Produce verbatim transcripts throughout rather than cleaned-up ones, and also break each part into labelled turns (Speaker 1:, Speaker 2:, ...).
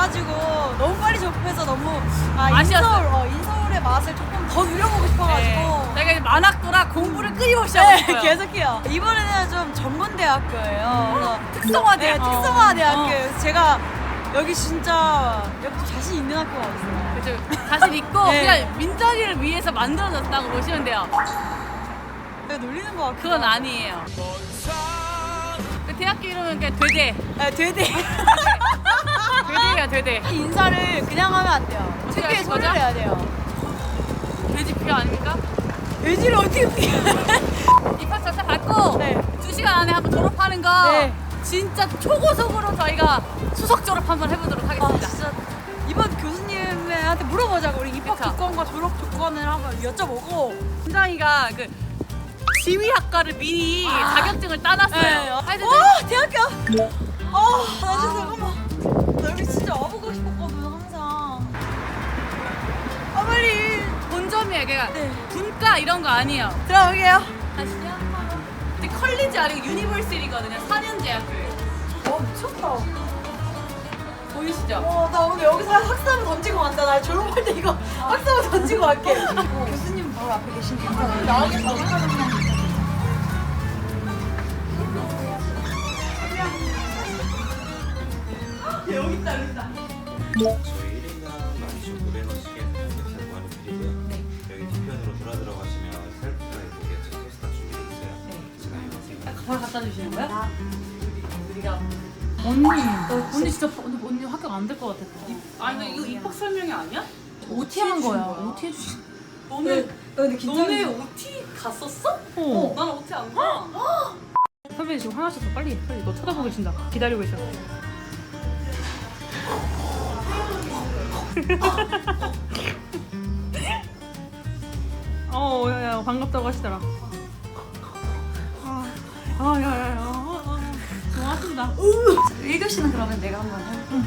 Speaker 1: 와가지고 너무 빨리 접해서 너무 아,
Speaker 2: 아쉬웠어요.
Speaker 1: 인서울, 어, 인서울의 맛을 조금 더 누려보고 싶어가지고
Speaker 2: 네. 내가 이제 만학도라 공부를 끊임없이 하고
Speaker 1: 네,
Speaker 2: 싶어요.
Speaker 1: 계속해요. 이번에는 좀 전문대학교예요. 그래서
Speaker 2: 특성화
Speaker 1: 네,
Speaker 2: 대학교.
Speaker 1: 특성화 대학교.
Speaker 2: 어.
Speaker 1: 그래서 제가 여기 진짜 여기 좀 자신 있는 학교가 없어요.
Speaker 2: 그렇죠. 자신 있고
Speaker 1: 네.
Speaker 2: 그냥 민정이를 위해서 만들어졌다고 보시면 돼요.
Speaker 1: 내가 놀리는 것 같고.
Speaker 2: 그건 아니에요. 그 대학교 이름은 그냥 되대.
Speaker 1: 네, 되대.
Speaker 2: 되대야 되대.
Speaker 1: 인사를 그냥 하면 안 돼요.
Speaker 2: 어떻게
Speaker 1: 특유의
Speaker 2: 하실
Speaker 1: 소리를
Speaker 2: 거죠?
Speaker 1: 해야 돼요.
Speaker 2: 돼지표 아닙니까?
Speaker 1: 돼지를 어떻게 피해?
Speaker 2: 입학 절차 받고
Speaker 1: 네.
Speaker 2: 두 시간 안에 한번 졸업하는 거
Speaker 1: 네.
Speaker 2: 진짜 초고속으로 저희가 수석 졸업 한번 해보도록
Speaker 1: 아,
Speaker 2: 하겠습니다.
Speaker 1: 진짜 이번 교수님한테 물어보자고. 우리 입학
Speaker 2: 그쵸.
Speaker 1: 조건과 졸업 조건을 한번 여쭤보고.
Speaker 2: 민정이가 그 지휘학과를 미리
Speaker 1: 아.
Speaker 2: 자격증을 따놨어요.
Speaker 1: 네.
Speaker 2: 하여튼
Speaker 1: 와, 대학교. 아, 나 진짜 잠깐만. 나 여기 진짜 와보고 싶었거든 항상. 아, 빨리.
Speaker 2: 본점이에요. 걔가
Speaker 1: 네.
Speaker 2: 분과 이런 거 아니에요.
Speaker 1: 들어가게요.
Speaker 2: 아시죠? 근데 컬리지 아니고 유니버시티거든요. 사 년 제학교예요.
Speaker 1: 와, 미쳤다.
Speaker 2: 보이시죠?
Speaker 1: 와, 나 오늘 여기서 학사부 던지고 간다. 나 졸업할 때 이거 학사부 던지고 갈게. 교수님 바로 앞에 계시니까 나오게 바로 하는 여기 있다, 여기 있다.
Speaker 3: 저희 일 인당 만 이천구백 원씩의 삼겹살 무한을 드리고요.
Speaker 2: 네.
Speaker 3: 여기 뒤편으로 돌아 들어가시면 셀프 드라이브 게츠 다 준비되어 있어요.
Speaker 2: 네.
Speaker 3: 제가 이용하세요.
Speaker 2: 바로 갖다 주시는 거야? 우리가 언니, 언니 진짜 언니, 언니 합격 안 될 것 같아. 아니 이거 입학 설명이 아니야? 오티 한 거야. 오티 해주시. 너네
Speaker 1: 근데
Speaker 2: 너네 오티 갔었어?
Speaker 4: 어.
Speaker 2: 난 오티 안 가.
Speaker 4: 선배님 지금 화나셔서 빨리 빨리 너 쳐다보고 계신다. 기다리고 있어. 어, 야야 반갑다고 하시더라. 아, 아, 야야야. 아, 아, 고맙습니다.
Speaker 1: 일 교시는 그러면 내가 한번 해.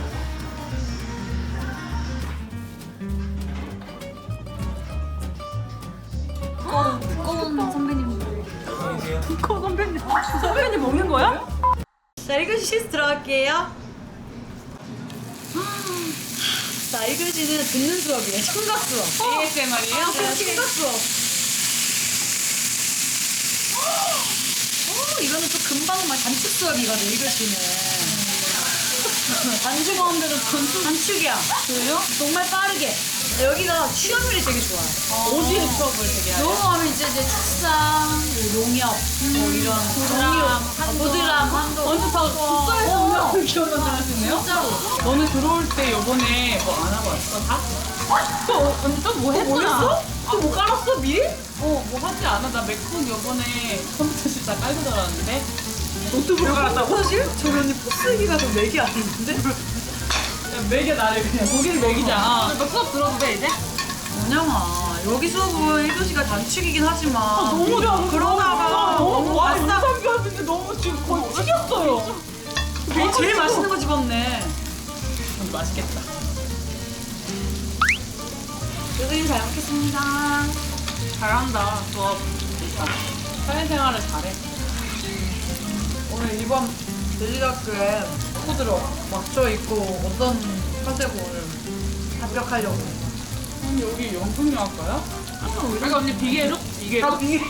Speaker 1: 두꺼운, 두꺼운 선배님.
Speaker 4: 두꺼 선배님. 선배님 먹는 거야?
Speaker 1: 자, 일 교시 실습 들어갈게요. 자, 일 교시는 듣는 수업이에요. 청각 수업.
Speaker 2: 에이에스엠알이에요?
Speaker 1: 네, 청각 수업. 어, 이거는 또 금방 막 단축 수업이거든, 일 교시는. 단축 하는데도 단축, 단축이야. 그래요? 정말 빠르게. 여기가 취업률이 되게 좋아요.
Speaker 2: 어디에 수업을 되게 해요?
Speaker 1: 영어하면 이제 이제 축산, 뭐 농협, 뭐 이런
Speaker 2: 드람,
Speaker 1: 보드람, 한도.
Speaker 2: 완전 다 국가에서 오면 기억나 잘하시네요?
Speaker 1: 진짜로.
Speaker 2: 너는 들어올 때 요번에 뭐 안 하고 왔어? 다?
Speaker 4: 또 언니 또뭐 했구나.
Speaker 2: 또뭐 깔았어 미리? 어, 뭐 하지 않아. 나 맥북 요번에 컴퓨터실 다 깔고 들어왔는데 노트북 깔았다고?
Speaker 1: 사실? 저기 언니 포스기가 더 맥이 아닌데?
Speaker 2: 야, 맥이 나를 그냥 거기를 맥이잖아. 너 수업 들어도 돼 이제?
Speaker 1: 원영아, 여기 수업은 일 교시가 단축이긴 하지만
Speaker 4: 너무 좋아.
Speaker 1: 그러다가 너무
Speaker 4: 와,
Speaker 1: 맛있다.
Speaker 4: 인상 교수인데 너무 지금 거의 튀겼어요.
Speaker 1: 제일, 제일 맛있는 거 집었네.
Speaker 2: 음, 맛있겠다.
Speaker 1: 교수님 잘 먹겠습니다.
Speaker 2: 잘한다. 수업. 사회생활을 잘해.
Speaker 1: 오늘 이번 돼지학교에 친구들이 맞춰 있고 어떤 컨셉을 합격하려고.
Speaker 2: 언니 여기 영풍영학과야? 그러니까 언니 비계로? 비계로?
Speaker 1: 비계.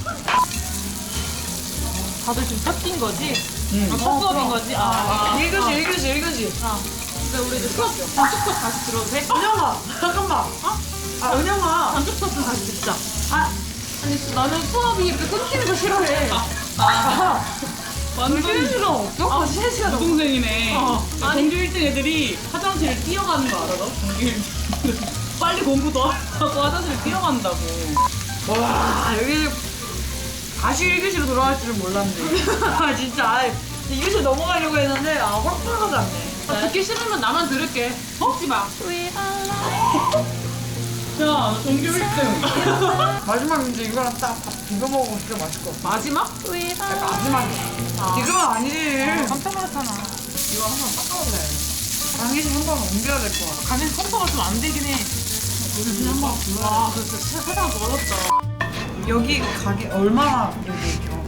Speaker 4: 다들 지금 섞인 거지?
Speaker 2: 응.
Speaker 4: 아, 첫 수업인 거지? 아,
Speaker 1: 일 교시, 일 교시, 일 교시.
Speaker 4: 근데 우리 이제 수업, 단축 수업 다시 들어도 돼?
Speaker 1: 은영아, 잠깐만. 어? 아, 은영아.
Speaker 4: 단축 수업 좀 다시 듣자. 아, 아니 나는 수업이 이렇게 끊기는 거 싫어해.
Speaker 1: 아,
Speaker 2: 완전
Speaker 1: 쉬는 시간 없어?
Speaker 4: 아, 쉬는 시간 없어.
Speaker 2: 동생이네.
Speaker 4: 어.
Speaker 2: 전교 일 등 애들이 화장실을 뛰어가는 거 알아? 너? 전교 일 등. 빨리 공부 더 하고 화장실 뛰어간다고.
Speaker 1: 와, 여기 다시 일 교시로 돌아갈 줄은 몰랐네. 아, 진짜. 아, 이 교시 넘어가려고 했는데, 아, 허락하지 않네.
Speaker 4: 아, 듣기 싫으면 나만 들을게. 듣지 마.
Speaker 2: 야, 너 전교 일 등.
Speaker 1: 마지막 이제 이거랑 딱 밥 비벼 먹으면 진짜 맛있을 것 같아.
Speaker 4: 마지막?
Speaker 1: 마지막이야. 이건 아니지.
Speaker 4: 깜짝 놀랐잖아.
Speaker 1: 이거 한번 닦아볼래. 강의실 한번 옮겨야 될 것 같아.
Speaker 4: 가면 컴퍼가 좀 안 되긴 해.
Speaker 1: 요즘 한번
Speaker 4: 와, 진짜 세상 멀었다.
Speaker 1: 여기 가게 얼마나 여기 겨?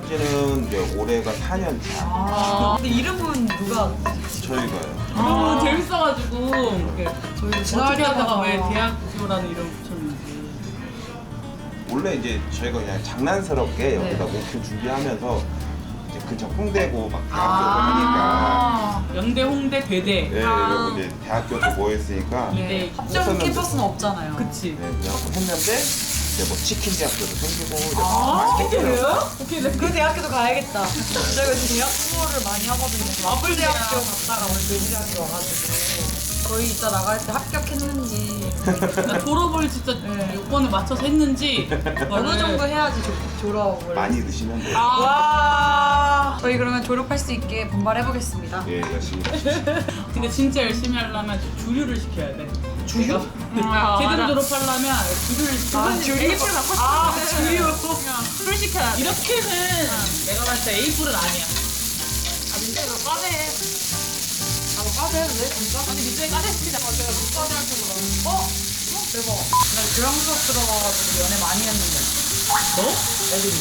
Speaker 3: 신한지는 이제 올해가 사 년 차.
Speaker 1: 아, 근데 이름은 누가?
Speaker 3: 저희가요.
Speaker 1: 아,
Speaker 2: 제일 재밌어가지고 이렇게
Speaker 1: 저희
Speaker 2: 어떻게 하다가 왜 대학교라는 이름 붙였는지.
Speaker 3: 원래 이제 저희가 그냥 장난스럽게 여기다 목표 준비하면서 이제 근처 홍대고 막 대학교고 하니까
Speaker 2: 연대, 홍대, 대대.
Speaker 3: 네, 여기 이제 대학교도 모였으니까 네,
Speaker 2: 네.
Speaker 1: 합정
Speaker 3: 우선은
Speaker 1: 캠퍼스는 없잖아요.
Speaker 2: 그치.
Speaker 3: 그냥 했는데 이제 뭐 치킨 대학교도 생기고 이제
Speaker 1: 아,
Speaker 3: 맛있게
Speaker 1: 그래요? 오케이, 네. 그 대학교도 가야겠다. 저희가 지금 대학 투어를 많이 하거든요. 마블 대학교 갔다가 오늘 돼지대학교 와가지고 저희 이따 나갈 때 합격했는지
Speaker 2: 나 졸업을 진짜
Speaker 1: 네.
Speaker 2: 요건에 맞춰서 했는지
Speaker 1: 어느 정도 해야지 조, 졸업을.
Speaker 3: 많이 드시면 돼요.
Speaker 2: 아,
Speaker 1: 와. 저희 그러면 졸업할 수 있게 분발해보겠습니다.
Speaker 3: 예, 열심히.
Speaker 2: 근데 진짜 열심히 하려면 주류를 시켜야 돼.
Speaker 1: 주류?
Speaker 2: 내가 제대로 졸업하려면 주류를 시켜야 돼.
Speaker 1: 주류? 아, 주류.
Speaker 2: 술 시켜야 돼. 이렇게는 내가 봤을 때 에이프는 아니야.
Speaker 1: 아, 민재 너 과대. 아, 너 과대 해도 돼? 진짜?
Speaker 2: 아니 민재 까대 시키자.
Speaker 1: 아, 내가 너 과대 할줄 몰랐는데. 어? 어? 대박. 나 교양 수업 들어가가지고 연애 많이 했는데.
Speaker 2: 너?
Speaker 1: 애들이.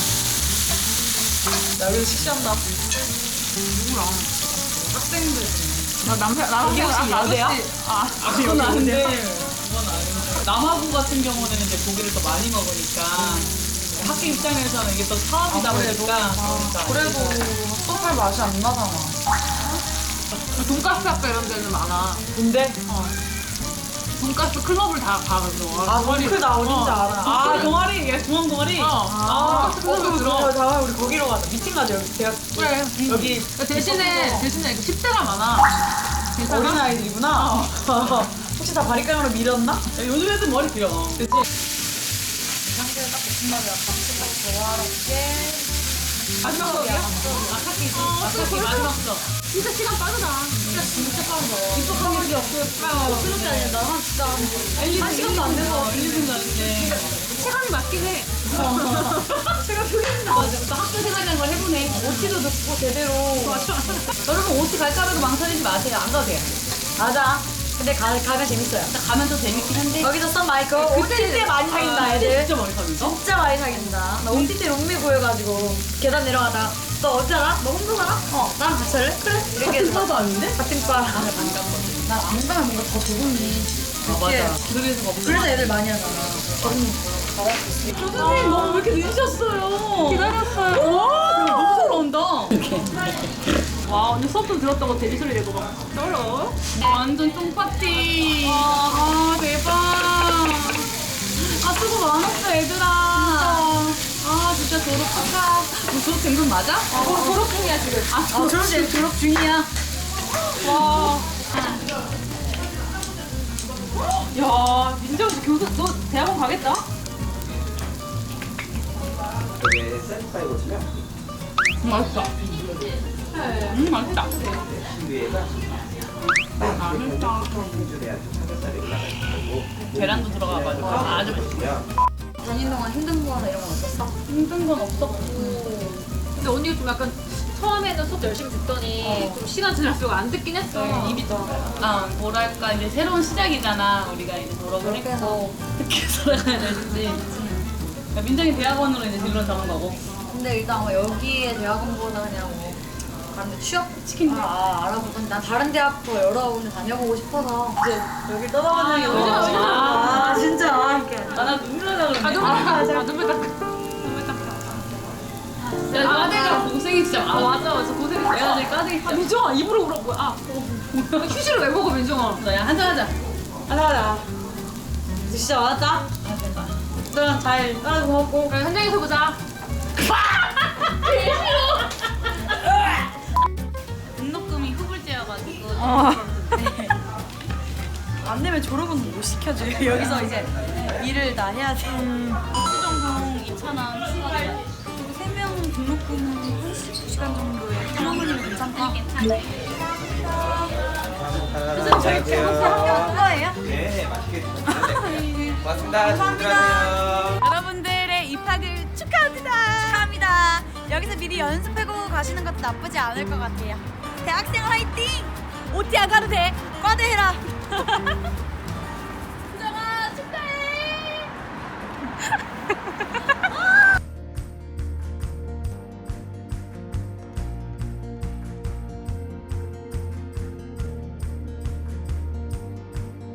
Speaker 1: 나 여기서 식시한다. 누구랑? 학생들.
Speaker 4: 나 남편 나랑
Speaker 1: 이게 혹시 여대야?
Speaker 4: 아,
Speaker 2: 아 그건 아닌데. 그건 아닌데. 남아공 같은 경우는 이제 고기를 더 많이 먹으니까 학교 입장에서는 이게 또 사업이다
Speaker 1: 아, 그래도?
Speaker 2: 보니까.
Speaker 1: 아, 그래도 수업할 맛이 안 나잖아.
Speaker 4: 돈가스 학과 이런 데는 많아.
Speaker 1: 근데?
Speaker 4: 돈가스 클럽을 다 가거든.
Speaker 1: 아, 동클 나 어딘지 알아.
Speaker 2: 아 동아리, 얘 중앙 동아리.
Speaker 4: 어.
Speaker 1: 아,
Speaker 4: 돈가스 클럽에 들어.
Speaker 1: 어, 다음에 우리 거기로 가자. 미팅 가자, 여기 대학.
Speaker 4: 그래.
Speaker 1: 여기
Speaker 4: 그러니까 대신에 대신에 십 대가 많아. 괜찮아?
Speaker 1: 어린 아이들이구나. 혹시 다 바리깡으로 밀었나?
Speaker 2: 야, 요즘 애들 머리 길어.
Speaker 1: 그치? 상태를 딱 볶음밥이랑 밥솥 조화롭게.
Speaker 2: 마지막 수업이야? 아카키. 아카키 마지막 수업.
Speaker 4: 진짜 시간 빠르다.
Speaker 1: 진짜 진짜 빠르다.
Speaker 2: 입학한 일이 없어요.
Speaker 1: 그런 게 아니라 나 진짜 한 시간도 안 돼서
Speaker 2: 일, 이 분 가는데.
Speaker 4: 체감이 맞긴 해.
Speaker 1: 제가 표현나.
Speaker 4: 맞아. 또 학교 생활이라는 걸 해보네.
Speaker 1: 오티도 듣고 제대로.
Speaker 2: 여러분 오티 갈까 봐도 망설이지 마세요. 안 가도 돼요.
Speaker 1: 맞아. 근데 가, 가면 재밌어요.
Speaker 2: 가면 더 재밌긴 한데.
Speaker 1: 여기서 썬 마이크 오티 때 많이 사귄다 애들.
Speaker 2: 진짜 머리 사귄다.
Speaker 1: 진짜 많이 사귄다. 나 오티 때 롱미 보여가지고 계단 내려가다가 너 어디 살아? 너 홍도 살아? 어 나랑 같이 할래? 그래 이렇게
Speaker 2: 같은
Speaker 1: 해서
Speaker 2: 과도 아닌데?
Speaker 1: 같은 과. 난안 가면 뭔가 더 두근이.
Speaker 2: 아 맞아. 그래서 막
Speaker 1: 그래서 애들 많이 하잖아. 저는 잘할 수 있어.
Speaker 2: 선생님 너무 왜 이렇게 늦으셨어요?
Speaker 4: 기다렸어요.
Speaker 2: 와 너무 잘 나온다.
Speaker 4: 와, 오늘 수업도 들었다고 돼지 소리 내고 막 떨어.
Speaker 2: 완전 똥파티.
Speaker 4: 아, 대박.
Speaker 2: 아 수고 많았어 얘들아. 아 진짜 졸업 축하. 너 졸업 된 건 맞아?
Speaker 4: 아, 졸업 중이야, 지금.
Speaker 2: 아 졸업 중 졸업 중이야. 와.
Speaker 4: 야, 민재 혹시 교수, 너 대학원 가겠다?
Speaker 3: 이게 셀프파이거든요.
Speaker 2: 음, 맛있다. 음 맛있다.
Speaker 3: 위에가
Speaker 2: 아 맛있다.
Speaker 3: 해줘야 삼겹살이 올라가 있고
Speaker 2: 계란도 들어가가지고 아주 맛있어.
Speaker 1: 다니는 동안 힘든 거 하나 이런 건 없었어?
Speaker 2: 힘든 건 없었고.
Speaker 4: 근데 언니가 좀 약간 처음에는 수업 열심히 듣더니 좀 시간 지날수록 안 듣긴 했어.
Speaker 1: 입이 더.
Speaker 2: 아 뭐랄까 이제 새로운 시작이잖아. 우리가 이제 졸업을
Speaker 1: 그렇게
Speaker 2: 했고 어떻게 살아가야 될지. 야, 민정이 대학원으로 이제 진로 정한 거고.
Speaker 1: 근데 일단 뭐 여기에 대학원보다 그냥 뭐 다른 데 취업 치킨 아, 아 알아보던 난 다른 대학도 여러 군데 다녀보고 싶어서 이제 여기 떠나가는 게
Speaker 2: 아,
Speaker 1: 너무
Speaker 2: 요즘, 요즘.
Speaker 1: 아 진짜 이렇게
Speaker 2: 아나 눈물 나려고 그러네.
Speaker 4: 아, 눈물 닦아. 아, 눈물 닦아. 눈물 닦아.
Speaker 2: 야, 까대가 고생이 진짜
Speaker 4: 아,
Speaker 2: 많아.
Speaker 4: 맞아, 맞아. 고생했어.
Speaker 2: 내가 제일 까대기
Speaker 4: 아, 민정아, 입으로 울어. 뭐야. 아, 휴지를 왜 먹어, 민정아?
Speaker 2: 야, 한잔 하자.
Speaker 1: 하나 하나 진짜 많았다?
Speaker 2: 아, 됐다.
Speaker 1: 너랑 잘 따라서 고맙고
Speaker 4: 그래, 현장에서 보자.
Speaker 2: 등록금이 후불제여가지고.
Speaker 1: 안 내면 졸업은 못 시켜줘 여기서 이제 일을 다 해야 돼
Speaker 2: 수정공 이천 원 추가돼.
Speaker 1: 세 명 등록금은 한 십구 시간 정도에 그러면 괜찮다
Speaker 3: 그래서 저희
Speaker 1: 학교 그거예요?
Speaker 3: 네, 맛있게 드셨는데. 고맙습니다. 감사합니다.
Speaker 5: 여러분들의 입학을 축하합니다. 축하합니다. 여기서 미리 연습하고 가시는 것도 나쁘지 않을 것 같아요. 대학생 화이팅! 오티 안 가도 돼. 과대 해라.